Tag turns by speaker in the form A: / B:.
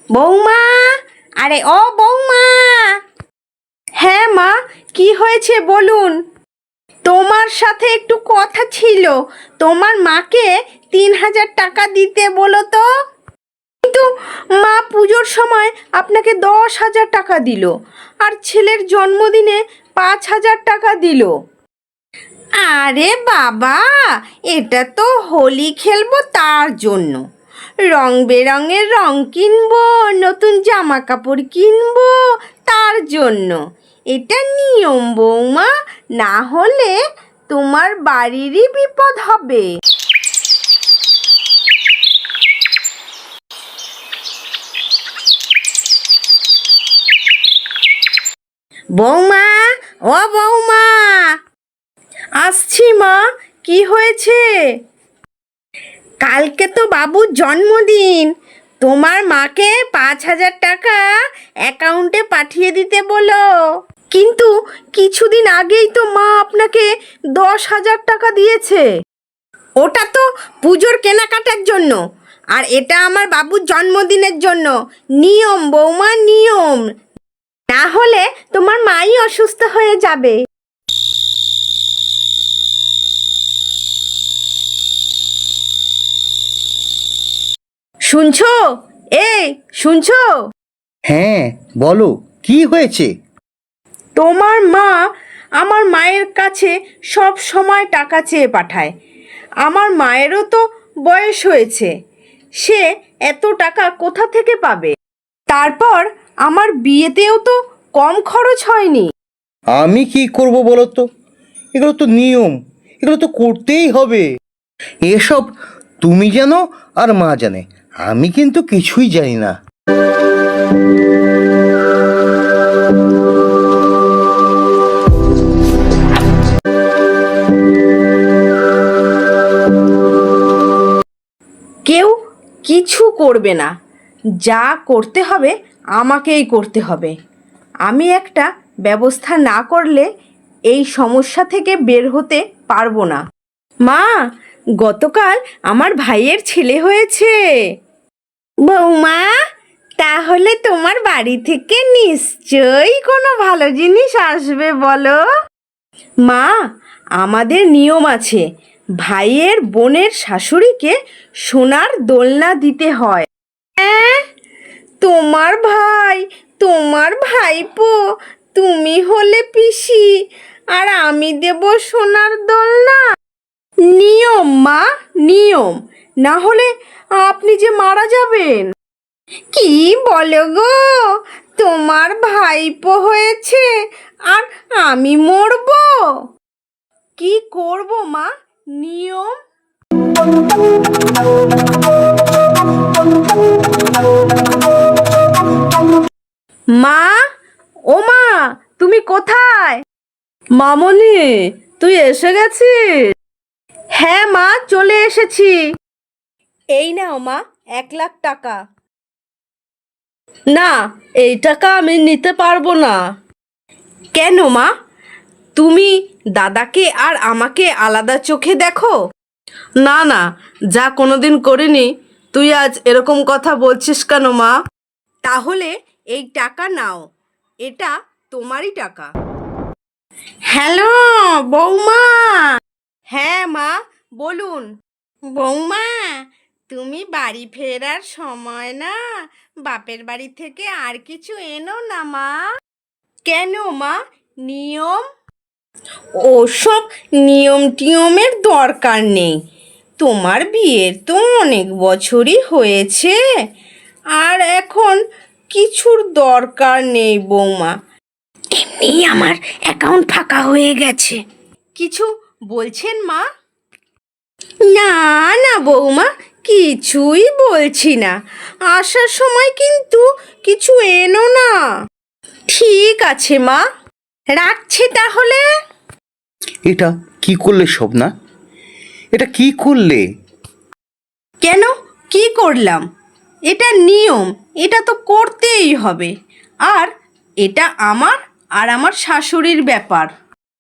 A: বৌমা, আরে ও বৌমা। হ্যাঁ মা, কি হয়েছে বলুন। তোমার সাথে একটু কথা ছিল। তোমার মাকে 3,000 টাকা দিতে বলো তো। কিন্তু মা পুজোর সময় আপনাকে 10,000 টাকা দিল, আর ছেলের জন্মদিনে 5,000 টাকা দিল। আরে বাবা, এটা তো হোলি খেলবো তার জন্য। রং বেরঙের রং কিনবো, নতুন জামা কাপড় কিনবো তার জন্য। এটা নিয়ম বৌমা, না হলে তোমার বাড়িরই বিপদ হবে। বৌমা, ও বৌমা। আসছি মা, কি হয়েছে? কালকে তো বাবুর জন্মদিন, তোমার মাকে 5,000 টাকা অ্যাকাউন্টে পাঠিয়ে দিতে বলো। কিন্তু কিছুদিন আগেই তো মা আপনাকে 10,000 টাকা দিয়েছে। ওটা তো পুজোর কেনাকাটার জন্য, আর এটা আমার বাবুর জন্মদিনের জন্য। নিয়ম বৌমা, নিয়ম। না হলে তোমার মাই অসুস্থ হয়ে যাবে। শুনছো? এই শুনছো?
B: হ্যাঁ, বলো কি হয়েছে?
A: তোমার মা আমার মায়ের কাছে সব সময় টাকা চেয়ে পাঠায়। আমার মায়েরও তো বয়স হয়েছে, সে এত টাকা কোথা থেকে পাবে? তারপর আমার বিয়েতেও তো কম খরচ হয়নি।
B: আমি কি করব বলো তো? এগুলো তো নিয়ম, এগুলো তো করতেই হবে। এসব তুমি জানো আর মা জানে, আমি কিন্তু কিছুই জানি না।
A: কেউ কিছু করবে না, যা করতে হবে আমাকেই করতে হবে। আমি একটা ব্যবস্থা না করলে এই সমস্যা থেকে বের হতে পারবো না। মা, গতকাল আমার ভাইয়ের ছেলে হয়েছে। বৌমা, তাহলে তোমার বাড়ি থেকে নিশ্চয়ই কোনো ভালো জিনিস আসবে বলো। মা, আমাদের নিয়ম আছে, ভাইয়ের বোনের শাশুড়িকে সোনার দোলনা দিতে হয়। হ্যাঁ, তোমার ভাই, তোমার ভাইপো, তুমি হলে পিসি, আর আমি দেব সোনার দোলনা। নিয়ম মা, নিয়ম। না হলে আপনি যে মারা যাবেন। কি বলো গো, তোমার ভাইপো হয়েছে আর আমি মরবো? কি করব মা, নিয়ম। মা, ও মা, তুমি কোথায়? মামনি, তুই এসে গেছিস? হ্যাঁ মা, চলে এসেছি। এই নাও মা, 1,00,000 টাকা। না, এই টাকা আমি নিতে পারবো না। কেন মা? তুমি দাদাকে আর আমাকে আলাদা চোখে দেখো? না না, যা কোনোদিন করিনি, তুই আজ এরকম কথা বলছিস কেন মা? তাহলে এই টাকা নাও, এটা তোমারই টাকা। হ্যালো বৌমা। হ্যাঁ মা, বলুন। বৌমা, তুমি বাড়ি ফেরার সময় না বাপের বাড়ি থেকে আর কিছু এনো না মা। কেন মা, নিয়ম? ওসব নিয়ম টিয়মের দরকার নেই। তোমার বিয়ের তো অনেক বছরই হয়েছে, আর এখন কিছুর দরকার নেই বৌমা। এমনি আমার অ্যাকাউন্ট ফাঁকা হয়ে গেছে। কিছু বলছেন মা? না না বৌমা, কিছুই বলছি না। আসার সময় কিন্তু কিছু এনো না। ঠিক আছে মা, রাখছি তাহলে।
B: এটা কি করলে শোভনা? এটা কি করলে?
A: কেন, কি করলাম? এটা নিয়ম, এটা তো করতেই হবে। আর এটা আমার আর আমার শাশুড়ির ব্যাপার।